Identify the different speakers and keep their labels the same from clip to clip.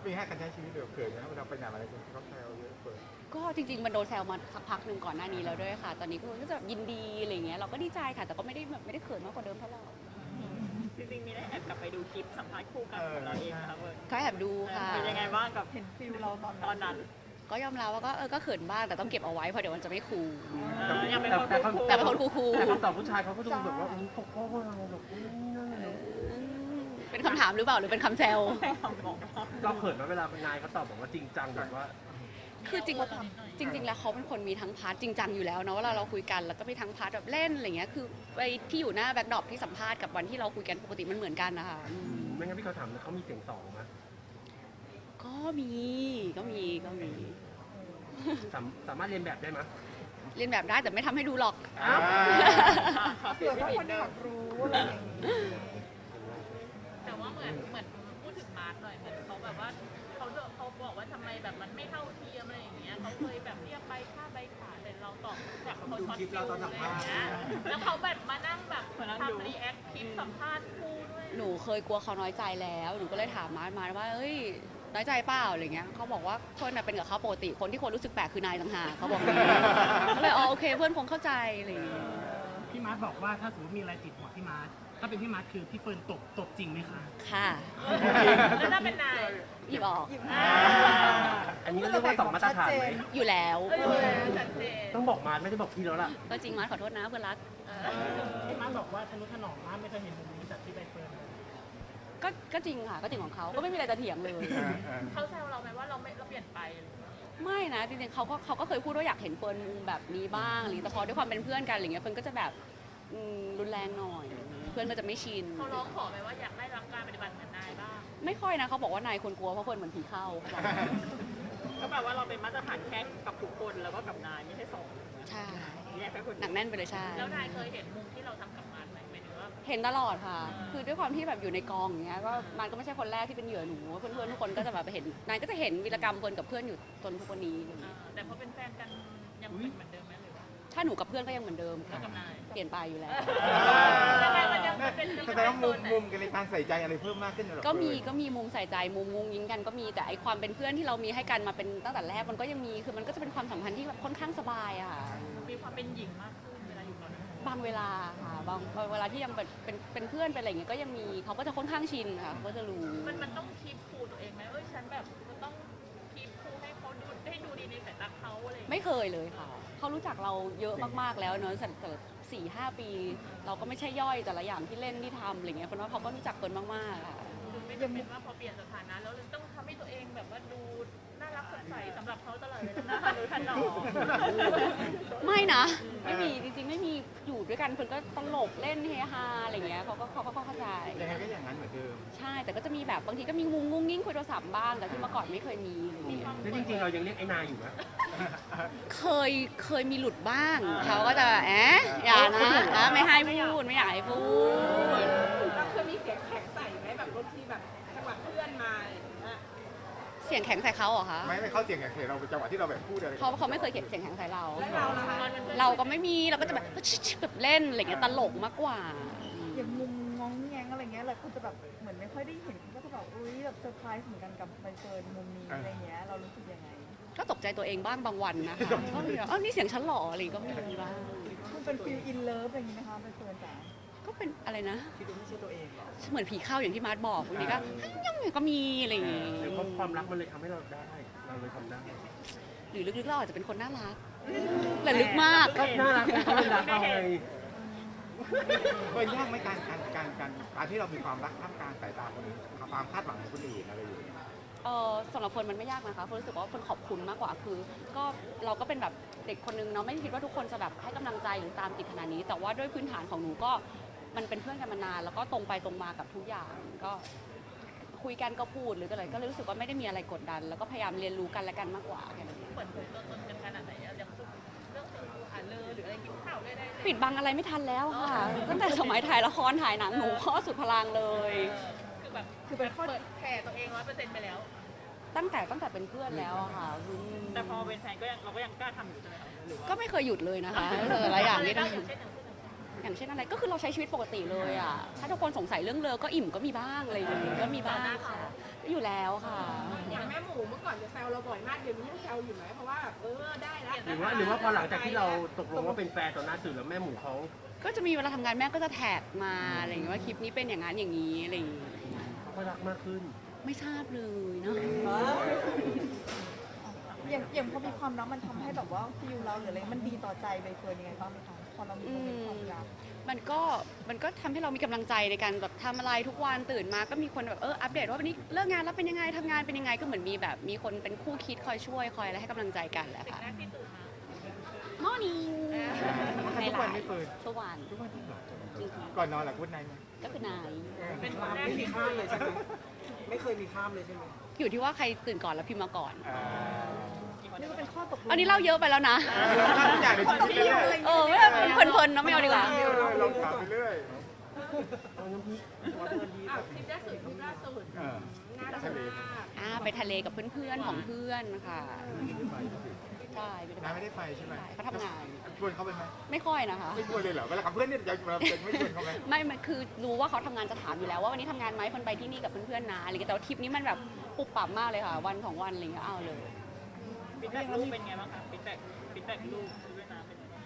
Speaker 1: มีให้การใช้ชีวิตเดือดเขินนะเวลาไปไหนอะไรกันเขาแซวเยอะเกิน
Speaker 2: ก็จริงๆมันโดนแซวมาสักพักหนึ่งก่อนหน้านี้แล้วด้วยค่ะตอนนี้ก็จะยินดีอะไรเงี้ยเราก็ดีใจค่ะแต่ก็ไม่ได้แบบไม่ได้เขินมากกว่าเดิมเท่าไหร่
Speaker 3: จริงๆมีได้แอบกลับไปดูคลิปสัมภาษณ์คู่กันของเราเองนะครับเบิร์ด
Speaker 2: ก็แอบดูค่ะ
Speaker 3: เป็นยังไงบ้างกับ
Speaker 4: เห็นฟิลเราตอนนั้น
Speaker 2: ก็ยอมรับว่าก็เขินบ้างแต่ต้องเก็บเอาไว้เพราะเดี๋ยวมันจะไม่คูล
Speaker 3: ยังเป็นคน
Speaker 2: แต่เป็นคนคูลๆ
Speaker 5: แต่คำตอบผู้ชายเขาก็ดูแบบว่าปกป้องเราแบบนี่นั่นเลย
Speaker 2: เป็นคำถามหรือเปล่าหรือเป็นคำแซว
Speaker 5: เราเขินไหมเวลาเป็นนายเขาตอบแบบว่าจริงจังแบบว่า
Speaker 2: คือจริงแล้วเขาเป็นคนมีทั้งพาร์ทจริงจังอยู่แล้วเนาะเวลาเราคุยกันแล้วก็มีทั้งพาร์ทแบบเล่นอะไรเงี้ยคือไปที่อยู่หน้าแบ็คดรอปที่สัมภาษณ์กับวันที่เราคุยกันปกติมันเหมือนกันนะคะ
Speaker 5: ไม่งั้นพี่เขาถามเขามีเสียงสองไหม
Speaker 2: ก็มี
Speaker 5: สามารถเรียนแบบได้ไหม
Speaker 2: เรียนแบบได้แต่ไม่ทำให้ดูหรอก
Speaker 4: เผื่อถ้าคนอยากรู้อะไรอย่างนี้
Speaker 3: แต่ว่าเหมือนพูดถึงมาร์ทหน่อยเหมือนเขาแบบว่าเขาบอกว่าทำไมแบบมันไม่เท่าเทียมอะไรอย่างเงี้ยเขาเคยแบบเรียกใบค่าใบขาแต่เราตอบแบบเขาช็อตฟิลอะไรอย่างเงี้ยแล้วเขาแบบมานั่งแบบทำรีแอคคลิปสัมภาษณ์คู่ด้วย
Speaker 2: หนูเคยกลัวเขาน้อยใจแล้วหนูก็เลยถามมาร์ทว่าเอ้ยน้อยใจเปล่าอะไรเงี้ยเขาบอกว่าเพื่อนเป็นกับเขาปกติคนที่คนรู้สึกแปลกคือนายต่างหากเขาบอกนี้ก็เลยโอเคเพื่อนคงเข้าใจอะไรอย่างเงี้ย
Speaker 6: พี่มาร์ทบอกว่าถ้าสมมติมีอะไรติดหัวพี่มาร์ทถ้าเป็นพี่มาร์ทคือพี่เฟิร์นตบจริงไหมคะ
Speaker 2: ค่ะ
Speaker 3: แล้วถ้าเป็นนาย
Speaker 2: หยิบออก
Speaker 5: อันนี้ก็เรียกว่าสองมาตรฐานไหม
Speaker 2: อยู่แล้ว
Speaker 3: ชัดเจน
Speaker 5: ต้องบอกมาไม่ได้บอกพี่แล้วล่ะ
Speaker 2: ก็จริงมาร์ทขอโทษนะเพื่อนรัก
Speaker 6: พี่มาร์ทบอกว่าทะนุถนอมมากไม่เคยเห็นมุมนี้จากที่ใบเฟิร์นเลย
Speaker 2: ก็จริงค่ะก็จริงของเขาก็ไม่มีอะไรจะเถียงเลย
Speaker 3: เขาแซวเราไหมว่าเราเปลี่ยนไป
Speaker 2: ไม่นะจริงๆเขาก็เคยพูดว่าอยากเห็นเฟิร์นมุมแบบนี้บ้างแต่พอด้วยความเป็นเพื่อนกันอะไรเงี้ยเฟิร์นก็จะแบบรุนแรงหน่อยเพื่อนก็จะไม่ชิน
Speaker 3: เขาร้องขอไหมว่าอยากได้รับการปฏิบัติเหมือนนายบ้าง
Speaker 2: ไม่ค่อยนะเขาบอกว่านายควรกลัวเพราะเฟิร์นเหมือนผีเข้าเขาบอก
Speaker 3: ก็แปลว่าเราเป็นมาตรฐานแค่กับทุกคนแล้วก็กับนายไม่ใช่สอง
Speaker 2: ใช่
Speaker 3: แยกแค่คน
Speaker 2: หนักแน่นไปเลยใช่
Speaker 3: แล้วนายเคยเห็นมุมที่เราทำกับมันไหมหมายถึงว่า
Speaker 2: เห็นตลอดค่ะ คือด้วยความที่แบบอยู่ในกองอย่างเงี้ยก็มันก็ไม่ใช่คนแรกที่เป็นเหยื่อหนูเพื่อนๆทุกคนก็จะแบบเห็นนายก็จะเห็นวีรกรรมเฟิร์นกับเพื่อนอยู่จนทุกวันนี้
Speaker 3: แต่พอเป็นแฟนกันยังเป็นเหมือนเดิมไหมหรือว่า
Speaker 2: ถ้าหนูกับเพื่อนก็ยังเหมือนเดิม
Speaker 3: แล้ว
Speaker 2: ค่ะ
Speaker 3: กับนาย
Speaker 2: เปลี่ยนไปอยู่แล้ว
Speaker 3: ยังไงมันยังเป็น
Speaker 1: แสดงว่ามุมกันในการใส่ใจอะไรเพิ่มมากขึ้นเหรอ
Speaker 2: ก็มีมุมใส่ใจมุมงุ้งยิงกันก็มีแต่ไอความเป็นเพื่อนที่เรามีให้กันมาเป็นตั้งแต่แรกมันก็ยังมีคือมันก็จะเป็นความสัมพันธ์ที่แบบค่อนข้างสบายอะค่ะ
Speaker 3: มีความเป็นหญิงมากขึ้นเวลาอยู่กับนาย
Speaker 2: บางเวลาค่ะบางเวลาที่ยังเป็นเพื่อนเป็นอะไรอย่างเงี้ยก็ยังมีเขาก็จะค่อนข้างชินค่ะเขาก็จะรู้
Speaker 3: มันต้องคีบคูตัวเองไหมฉันแบบจะต้องคีบคูให้เขาดูให้ดูดีในสายตาเขาอะไร
Speaker 2: ไม่เคยเลยค่ะเขารู้จักเราเยอะมากๆแล้วเนอะแต่4-5 ปี เราก็ไม่ใช่ย่อยแต่ละอย่างที่เล่นที่ทำอะไรเงี้ยเพราะว่าเขาก็รู้จักเฟิร์นมากๆค่ะ
Speaker 3: คือไม่จำเป็นว่าพอเปลี่ยนสถานะแล้วต้องทำให้ตัวเองแบบว่าดูน่ารักสดใสสำหรับเขาตลอดเลยนะทันหนอ
Speaker 2: ไม่นะไม่มีจริงๆไม่มีอยู่ด้วยกันเฟิร์นก็ตลกเล่นเฮฮาอะไรเงี้ยเขาก็เข้าใจ
Speaker 1: ยังไงก็อย่างนั้นเหมือนเดิม
Speaker 2: ใช่แต่ก็จะมีแบบบางทีก็มีงุ้งงิ้งคุยโทรศัพท์บ้างแต่ที่เมื่อก่อนไม่เคยมีอะไรเงี้ย
Speaker 5: แล้วจริงๆเรายังเรียกไอ้นายอยู่ไหม
Speaker 2: เคยมีหลุดบ้างเขาก็จะอย่านะไม่ให้พูดไม่อยากให้พูด
Speaker 4: เราเคยมีเสียงแข็งใส่ไหมแบบบางทีแบบจังหวะเพื่อนมาอย่างเงี้ย
Speaker 2: เสียงแข็งใส่เขาเหรอคะ
Speaker 1: ไม่เข้าเสียงอย่างเสียเราเป็นจังหวะที่เราแบบพูดอะไร
Speaker 2: เขาไม่เคยเสียงแข็งใส่เรา
Speaker 4: แล้วเราล่ะคะ
Speaker 2: เราก็ไม่มีเราก็จะแบบแบบเล่นอะไรเงี้ยตลกมากกว่า
Speaker 4: อย่างมุมงองแงงอะไรเงี้ยหลายคนจะแบบเหมือนไม่ค่อยได้เห็นก็จะแบบอุ้ยแบบเซอร์ไพรส์เหมือนกันกับใบเฟิร์นมุมนี้อะไรเงี้ยเรารู้สึกยังไง
Speaker 2: ก็ตกใจตัวเองบ้างบางวันนะคะก็มีแบบนี่เสียงฉันหล่ออะไรก็มีบ้าง
Speaker 4: คุณเป็นฟิลอินเลิฟอะไรอย่างงี้ไหมคะใบเฟิร์นจ๋า
Speaker 2: ก็เป็นอะไรนะ
Speaker 4: คิดว่าไม่ใช่ตัวเองหรอ
Speaker 2: เหมือนผีเข้าอย่างที่มาร์ทบอกบางทีก็ยังก็มีอะไรอย่างงี้
Speaker 5: หรือความรักมันเลยทำให้เราได้ เราเลยทำได้
Speaker 2: หรือลึกๆเราอาจจะเป็นคนน่ารักแต่ลึกมาก
Speaker 5: ก็น่ารักไงเขาเป็นรักเราไง
Speaker 1: ก็ยากไหมการที่เรามีความรักท่ามกลางสายตาคนอื่นความคาดหวังของคนอื่นอะไรอยู่
Speaker 2: สำหรับคนมันไม่ยากนะคะคนรู้สึกว่าคนขอบคุณมากกว่าคือก็เราก็เป็นแบบเด็กคนนึงเนาะไม่คิดว่าทุกคนจะแบบให้กำลังใจหรือตามติดขนาดนี้ แต่ว่าด้วยพื้นฐานของหนูก็มันเป็นเพื่อนกันมานานแล้วก็ตรงไปตรงมากับทุกอย่างก็คุยกันก็พูดหรืออะไรก็เลยรู้สึกว่าไม่ได้มีอะไรกดดัน แล้วก็พยายามเรียนรู้กันและกันมากกว่าแค่นั้นเอง
Speaker 3: เปิดเผยตัวตนกันขนาดไหนอย่างเรื่องส่วนตัวหรืออะไรกินข้าวได้
Speaker 2: ปิดบังอะไรไม่ทันแล้วค่ะตั้งแต่สมัยถ่ายละครถ่ายหนังหนูข้อสุดพลังเลย
Speaker 3: คือแบบ
Speaker 4: คือเป็นข้อ
Speaker 3: เปิดแผ่ตัวเอง100%ไปแล้ว
Speaker 2: ตั้งแต่เป็นเพื่อนแล้วอะค่ะ
Speaker 3: แต่พอเป็นแฟนเราก็ยังกล้าทำอยู่ใช่ไหมคะหรือว่า
Speaker 2: ก็ไม่เคยหยุดเลยนะคะหลายอย่างที่ทำ
Speaker 3: อย่างเช่น
Speaker 2: อย่างเช่นอะไรก็คือเราใช้ชีวิตปกติเลยอ่ะถ้าทุกคนสงสัยเรื่องเลอก็อิ่มก็มีบ้างอะไรอย่างเงี้ยก็มีบ้างค่ะอยู่แล้วค่ะ
Speaker 3: อย่าง
Speaker 7: เมื่อก่อนจะแซวเราบ่อยมากเดี๋ยวนี้ยังแซวอยู่ไหมเพราะว่าได้แล้ว
Speaker 5: หรือว่าพอหลังจากที่เราตกลงว่าเป็นแฟนต่อหน้าสื่อแล้วแม่หมูเขา
Speaker 2: ก็จะมีเวลาทำงานแม่ก็จะแท็กมาอะไรอย่างเงี้ยว่าคลิปนี้เป็นอย่างนั้นอย่างนี้อะไรอย่างงี้
Speaker 5: เขาก็รักมากขึ้น
Speaker 2: ไม่ทราบเลยเนาะ
Speaker 4: อย่างพอมีความรักมันทำให้แบบว่าฟิลเราหรืออะไรมันดีต่อใจใบเฟิร์นยังไงบ้างไหมคะพอเรามีโมเมนต์ความรัก
Speaker 2: มันก็ทำให้เรามีกำลังใจในการแบบทำอะไรทุกวันตื่นมาก็มีคนแบบอัปเดตว่าวันนี้เลิกงานแล้วเป็นยังไงทำงานเป็นยังไงก็เหมือนมีแบบมีคนเป็นคู่คิดคอยช่วยคอยอะไรให้กำลังใจกันแหละค่ะ
Speaker 3: แรกที่ตื่นมา
Speaker 2: Morning
Speaker 1: ทุกวันไม่เปิด
Speaker 2: ทุกวัน
Speaker 1: ทุกวันที่หรอ
Speaker 2: จริง
Speaker 1: ก่อนนอนหลับพูดในไหม
Speaker 2: ๆก็คือนาย
Speaker 3: เป็นคนแรก
Speaker 6: ไม่มี
Speaker 3: ที่
Speaker 6: ข้ามเลยใช่ไหมไม่เคยมีข้ามเลยใช่ไหม
Speaker 2: อยู่ที่ว่าใครตื่นก่อนแล้วพิมพ์มาก่อน
Speaker 4: นี่ก็เป็นข้อตกลง
Speaker 2: อันนี้เล่าเยอะไปแล้วนะ
Speaker 1: ทุกอย่างในชีวิตเลย
Speaker 2: ไม่ได้เพลินๆเนอะไม่เอาดีกว่า
Speaker 1: ลองถามไปเรื่อย
Speaker 5: เอาน้ำพริกเอาน้ำพริก
Speaker 3: อ้าวคลิปล่าสุด
Speaker 7: น่ารัก
Speaker 1: ทะเล
Speaker 7: มาก
Speaker 2: ไปทะเลกับเพื่อนๆของเพื่อนค่ะใช่ไม่
Speaker 1: น้า
Speaker 2: ได้
Speaker 1: ไม่ได้ไปใช่ไหม
Speaker 2: เขาทำงาน
Speaker 1: ชวนเขาไปไหม
Speaker 2: ไม่ค่อยนะคะ
Speaker 1: ไม่ชวนเลยเหรอเวลากับเพื่อนเนี่ยอยากจะไม่ชวนเขาไหม
Speaker 2: ไม่มันคือรู้ว่าเขาทำงานจะถามอยู่แล้วว่าวันนี้ทำงานไหมคนไปที่นี่กับเพื่อนๆนะอะไรเงี้ยแต่ว่าทริปนี้มันแบบปุบปับมากเลยค่ะวันของวันอะไรเงี้ยเอาเลย
Speaker 3: ฟีดแบ็กลูกเป็นไงบ้างคะฟีดแบ็กลูกเวียดนามเป็นไงบ้าง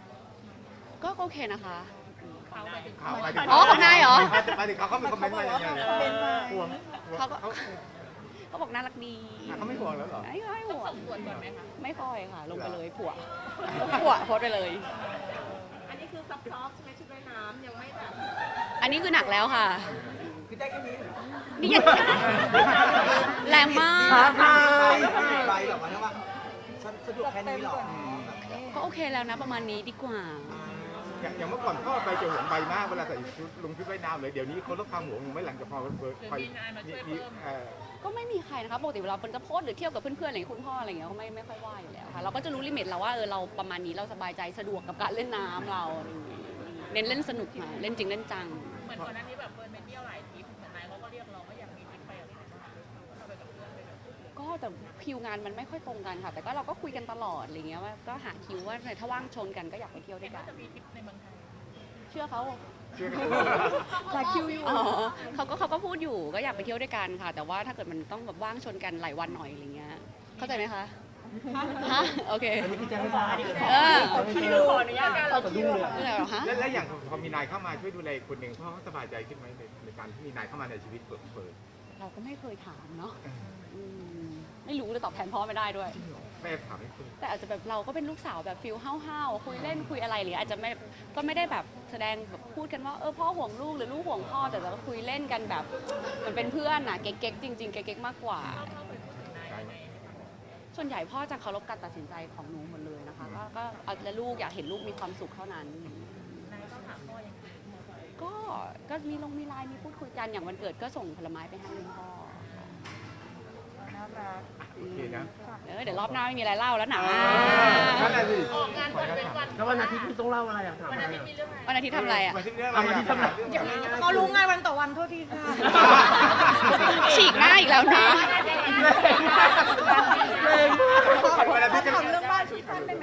Speaker 2: ก็โอเคนะคะ
Speaker 3: เขาไปถึง
Speaker 1: ข่าวไปถึง
Speaker 2: อ๋อของนายเหรอ
Speaker 1: ไปถึงเขามีคอมเมนต์มาอย่างไร
Speaker 4: คอมเมนต์มา
Speaker 1: ห่วง
Speaker 2: เขาบอกน่ารักดี
Speaker 1: เขาไม่ห่วงแล้วเหรอ
Speaker 2: ไม่ค่อยห่วง
Speaker 3: ส่งตรวจก่อนไหมคะ
Speaker 2: ไม่ค่อยค่ะ ลงไปเลยผัวโพสต์ไปเลย
Speaker 7: อันนี้คือซับซ้อฟใช่ไหมชุดว่ายน้ำยังไม่แบบ
Speaker 2: อันนี้คือหนักแล้วค่ะ
Speaker 6: คือได้แค่นี้
Speaker 2: นี่ยังแรงมาก
Speaker 6: ไปแบบว่าสะดวกแค่นี้หรอ
Speaker 2: ก็โอเคแล้วนะประมาณนี้ดีกว่า
Speaker 1: อย่างเมื่อก่อนเขาไปจะห่วงใบมากเวลาใส่ชุดลงชุดว่ายน้ำเลยเดี๋ยวนี้เขาลดความห่วงลงไม่หลังจากพอไป
Speaker 2: ก็ไม่มีใครนะคะปกติเวลาคนจะโพสต์หรือเที่ยวกับเพื่อนๆอะไรอย่างเงี้ยคุณพ่ออะไรอย่างเงี้ยเขาไม่ค่อยว่าอยู่แล้วค่ะเราก็จะรู้ลิมิตเราว่าเราประมาณนี้เราสบายใจสะดวกกับการเล่นน้ำเราอะไรอย่างเงี้ยเน้นเล่นสนุกมาเล่นจริงเล่นจัง
Speaker 3: เหมือนก่อนหน้านี้แบบเฟิร์นไปเที่ยวหลายทริปเหมือนนายเขาก็เรียกร้องว่าอยากมีทริปไปกับที่ไหนบ้างเราไปกับเพื่อนไปกับ
Speaker 2: ก็แต่คิวงานมันไม่ค่อยตรงกันค่ะ แต่ก็เราก็คุยกันตลอดอะไรเงี้ยว่าก็หาคิวว่าถ้าว่างชนกันก็อยากไปเที่ยวด้วยกัน
Speaker 3: จะมีทริปในเมืองไทย
Speaker 2: เชื่อเขา
Speaker 1: เชื่อ
Speaker 4: หลายคิวอยู่
Speaker 2: อ๋อเขาก็พูดอยู่ก็อยากไปเที่ยวด้วยกันค่ะ แต่ว่าถ้าเกิดมันต้องแบบว่างชนกันหลายวันหน่อยอะไรเงี้ยเข้าใจไหมคะฮะโอเค
Speaker 5: อันนี้พี่แจ้งให้ทราบ
Speaker 3: ขออนุญาตการเรา
Speaker 5: สะดุ้งเลย
Speaker 2: ไม่เป็นไรหรอฮะ
Speaker 1: และอย่างพอมีนายเข้ามาช่วยดูแลคนหนึ่งพ่อเขาสบายใจขึ้นไหมในการที่มีนายเข้ามาในชีวิตเปิด
Speaker 2: เราก็ไม่เคยถามเนาะอืมไม่รู้เลยตอบแทนพ่อไม่ได้ด้วย
Speaker 1: แม่ถามให้คุณ
Speaker 2: แต่อาจจะแบบเราก็เป็นลูกสาวแบบฟิลห้าวๆคุยเล่นคุยอะไรหรืออาจจะไม่ก็ไม่ได้แบบแสดงแบบพูดกันว่าพ่อห่วงลูกหรือลูกห่วงพ่อแต่เราก็คุยเล่นกันแบบมันเป็นเพื่อนน่ะเก๊กๆจริงๆเก๊กๆมากกว่า ส่วนใหญ่พ่อจะเคารพการตัดสินใจของหนูหมดเลยนะคะก็เอาแต่ลูกอยากเห็นลูกมีความสุขเท่านั้น
Speaker 3: นายต้องถามพ่อยังไง
Speaker 2: ก็มีไลน์มีพูดคุยกันอย่างวันเกิดก็ส่งผลไม้ไปให้คุณพ่อ
Speaker 4: น่ารัก
Speaker 1: โอเคนะ
Speaker 2: เดี๋ยวรอบหน้าไม่มีอะไรเล่าแล้วนะ
Speaker 1: นั่นแหละสิ
Speaker 3: ออกงานวันเป็นวัน
Speaker 5: แล้ววันอาทิตย์คุณต้องเล่าอะไรอ่ะถาม
Speaker 3: วัน
Speaker 5: อะไร
Speaker 3: อาทิตย์
Speaker 5: อ่ะ
Speaker 3: มีเรื่องอะไร
Speaker 2: วันอาทิตย์ทำอะไรอ่ะ
Speaker 1: วันที่เรื่องอะไร
Speaker 5: วันที่ทำอะไร
Speaker 4: เขารู้งานวันต่อวันโทษทีค่ะ
Speaker 2: ฉีกหน้าอีกแล้วนะ
Speaker 1: วันอาทิตย์จะ
Speaker 4: ถามเรื่อง